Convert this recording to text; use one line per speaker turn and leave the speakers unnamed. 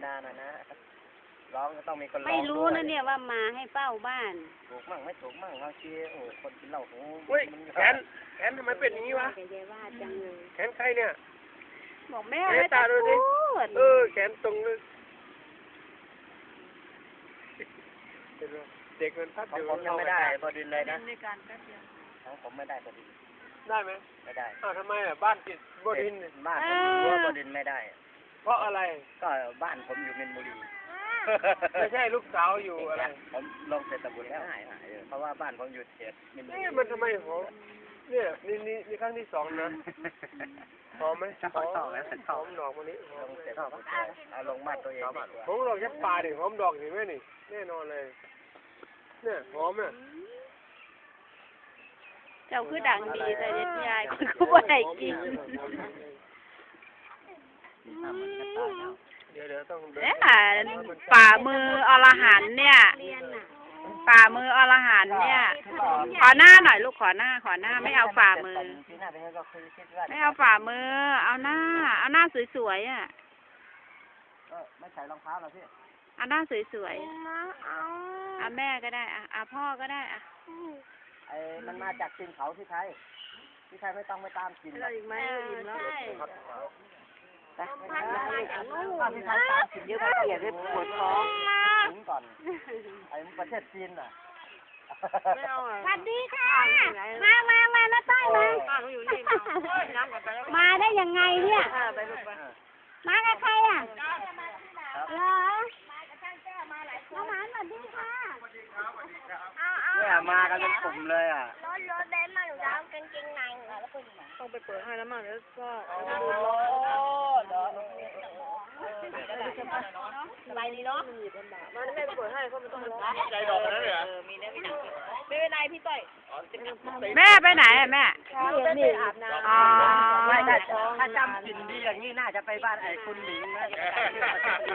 ดาหน่อยนะร้องก็ต้องมีคนร้อง
ไม่รู้นะเนี่ยว่ามาให้เฝ้าบ้าน
ถูกมั่งไม่ถูกมั่งบางทีโอ้คนกินเหล้าโอ้
เฮ้ยแขนทำไมเป็นอย่างนี้วะ
แกยายว่าจังเลย
แขนใครเนี่ย
บอกแม่ไม่ต้องพูด
แขนตรงเลยเด็กมันพัด
ของ
อยู่
ผมยังไม่ได้บดินเลยนะ
ในการแป๊บเดียว
ของผมไม่ได้บดิน
ได้ไหม
ไม่ได้
อ้าวทำไมอ่ะบ้านติดบดินทร์
บ้านผมรั้วบดินไม่ได้
เพราะอะไร
ก็บ้านผมอยู่มินบุรี
ไม่ใช่ลูกสาวอยู่อะไร
ผมลงเสร็จตะบุญแล้วเพราะว่าบ้านผมอยู่เขตมินบุรี
นี่มันทำไมหอมเนี่ยนี่ครั้งที่สองนะหอมไหมหอมดอกมันนี้หอ
ล
ม
ง
เล
เสร็
ย
จเอาลงบ้านตัวเองดีกว่า
หอมดอกแค่ปลาดิหอมดอกเห็นไหมนี่แน่นอนเลยเนี่ยหอมเนี่ย
เจ้าคือดังดีแต่เด็ดยายคนก็บ่ได้กิน
เดี๋ยวต้อง
เนี่ยฝ่ามืออรหันต์เนี่ยฝ่ามืออรหันต์เนี่ย ขอหน้าหน่อยลูกขอหน้าไม่เอาฝ่ามือ ไม่เอาฝ่ามือ เอาหน้าสวยๆอ่ะ
ไม่ใส่รองเท้าหรอพี่
เอาหน้าสวยๆเอาแม่ก็ได้อ่ะพ่อก็ได้อ่ะ
ไอ้มันมาจากกินเขาที่ไทยไม่ต้องไปตามกิน
อีกไหมอิ่มแล้ว
แต่ที่ไทยตามกินเยอะก็เกลียดให้ปวดท้องถึงก่อนไอ้ประเทศจีนน่ะ
สวัสดีค่ะมาน้าต้อยมาได้ยังไงเนี่ยมากับใครอ่ะเหรอมาหมาสวัสดีค่ะ
เนี่ยมากันเป็นกลุ่มเลยอ่ะ
รถเบนซ์มาหนูจะเอากางเกงในแล้วก็
ต้องไปเปิดให้แล้วมั้งแล้วก็
สบายดีเนาะ
มันไม่เปิดให้เพราะมันต้องร้อง
ใจดอกนั้นเลยเหรอ
มีนะพี่หนังไม่เป็นไรพี่ต้อย
แม่ไปไหนอ่ะแม่
นี่อาบน้ำ
อ๋อ
ไม่ได้ถ้าจำกินดีอย่างนี้น่าจะไปบ้านไอ้คุณหลิงนะ